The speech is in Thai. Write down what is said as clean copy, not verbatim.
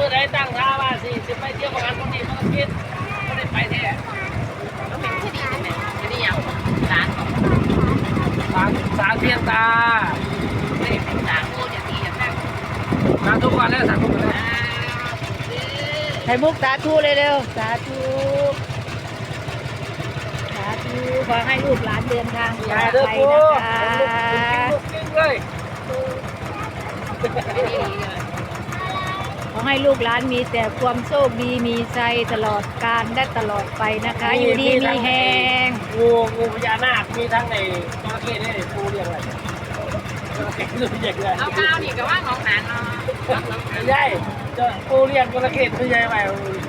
มื่อใดตั้งท่าว่าสิไปเที่ยวงานคนนี้มันก็คิดไม่ได้ไปแท้ก็เป็นที่ดีใช่ไหมที่นี่อย่างร้านของสางเพียงตาไม่ได้เป็นร้านโอ้จะดีอย่างนั้นสางทุกวันแล้วสางทุกวันแล้วไข่มุกสาธุเร็วๆสาธุสาธุขอให้ลูกหลานเดินทางปลอย่าอดเด้อภัยปูนะคะลูกกิ้งเลยไม่ดีเลยขอให้ลูกหลานมีแต่ความโชคดีมีชัยตลอดกาลและตลอดไปนะคะ อยู่ดีมีแหงงูพญานาคมีทั้งในจระเข้นี่ปูเรียกอะไรจระเข้ตัวใหญ่เลยเอาข้าวนี่ก็ว่าน้องหานเนาะใหญ่จะปูเรียกจระเข้ตัวใหญ่ไป